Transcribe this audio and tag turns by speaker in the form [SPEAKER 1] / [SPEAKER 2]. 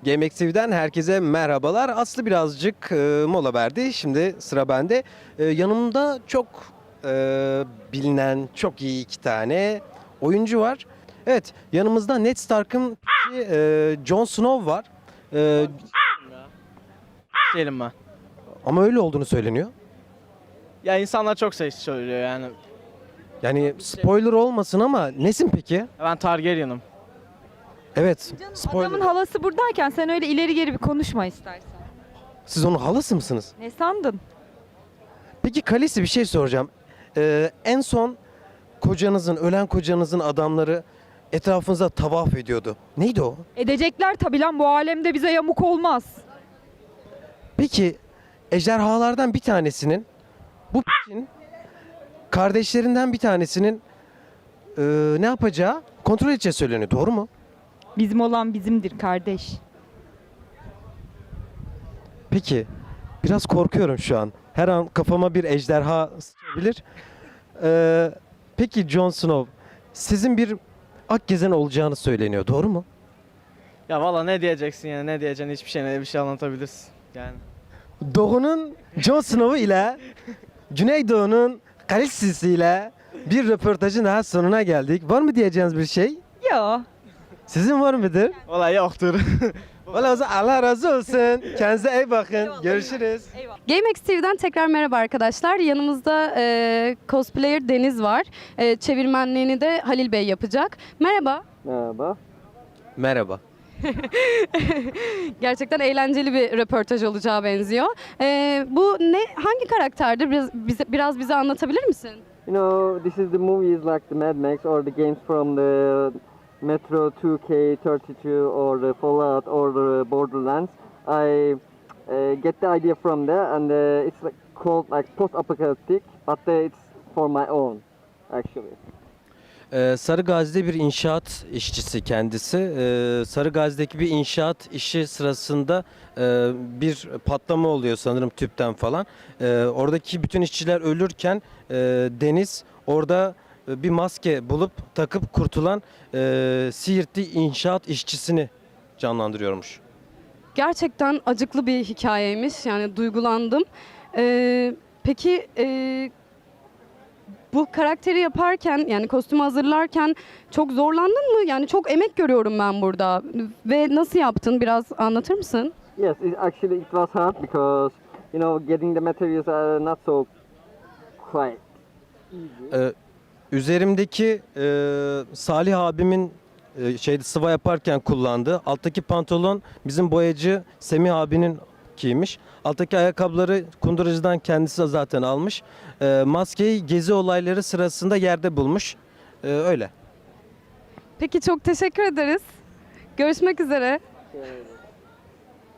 [SPEAKER 1] GameX TV'den herkese merhabalar. Aslı birazcık mola verdi. Şimdi sıra bende. Yanımda çok bilinen, çok iyi iki tane oyuncu var. Evet, yanımızda Ned Stark'ın Jon Snow var. E,
[SPEAKER 2] Değilim ben.
[SPEAKER 1] ama öyle olduğunu söyleniyor.
[SPEAKER 2] Ya insanlar çok şey söylüyor yani.
[SPEAKER 1] Yani spoiler olmasın ama nesin peki?
[SPEAKER 2] Ben Targaryen'ım.
[SPEAKER 1] Evet,
[SPEAKER 3] Adamın
[SPEAKER 1] spoiler.
[SPEAKER 3] halası buradayken sen öyle ileri geri bir konuşma istersen.
[SPEAKER 1] Siz onun halası mısınız?
[SPEAKER 3] Ne sandın?
[SPEAKER 1] Peki Khaleesi, bir şey soracağım. En son ölen kocanızın adamları etrafınıza tavaf ediyordu. Neydi o?
[SPEAKER 3] Edecekler tabi lan, bu alemde bize yamuk olmaz.
[SPEAKER 1] Peki ejderhalardan bir tanesinin, bu p***in kardeşlerinden bir tanesinin ne yapacağı kontrol edeceği söyleniyor. Doğru mu?
[SPEAKER 3] Bizim olan bizimdir kardeş.
[SPEAKER 1] Peki biraz korkuyorum şu an. Her an kafama bir ejderha sıçrayabilir. Peki Jon Snow, sizin bir Akgezen olacağını söyleniyor. Doğru mu?
[SPEAKER 2] Ya valla ne diyeceksin yani, ne diyeceksin, hiçbir şey, ne bir şey anlatabilirsin yani.
[SPEAKER 1] Doğu'nun Jon Snow'u ile Güneydoğu'nun Khaleesi'si ile bir röportajın daha sonuna geldik. Var mı diyeceğiniz bir şey?
[SPEAKER 3] Yo.
[SPEAKER 1] Sizin var mıdır?
[SPEAKER 2] Valla yoktur.
[SPEAKER 1] Valla o zaman Allah razı olsun. Kendinize iyi bakın. Görüşürüz.
[SPEAKER 4] GameX TV'den tekrar merhaba arkadaşlar. Yanımızda cosplayer Deniz var. Çevirmenliğini de Halil Bey yapacak. Merhaba.
[SPEAKER 5] Merhaba.
[SPEAKER 1] Merhaba.
[SPEAKER 4] Gerçekten eğlenceli bir röportaj olacağı benziyor. Bu hangi karakterdir? Biraz bize anlatabilir misin?
[SPEAKER 5] You know, this is the movies like the Mad Max or the games from the Metro 2K32 or the Fallout or the Borderlands. I get the idea from there, and it's like called like post-apocalyptic, but it's for my own, actually.
[SPEAKER 1] Sarı Gazi'de bir inşaat işçisi kendisi. Sarı Gazi'deki bir inşaat işi sırasında bir patlama oluyor sanırım, tüpten falan. Oradaki bütün işçiler ölürken Deniz orada bir maske bulup takıp kurtulan Siirtli inşaat işçisini canlandırıyormuş.
[SPEAKER 4] Gerçekten acıklı bir hikayeymiş. Yani duygulandım. Peki bu karakteri yaparken, yani kostümü hazırlarken çok zorlandın mı? Yani çok emek görüyorum ben burada. Ve nasıl yaptın? Biraz anlatır mısın?
[SPEAKER 5] Yes, actually it was hard because you know getting the materials are not so quite easy.
[SPEAKER 1] Üzerimdeki Salih abimin sıva yaparken kullandığı alttaki pantolon bizim boyacı Semih abinin giymiş. Alttaki ayakkabıları kunduracıdan kendisi zaten almış. Maskeyi gezi olayları sırasında yerde bulmuş. Öyle.
[SPEAKER 4] Peki çok teşekkür ederiz. Görüşmek üzere.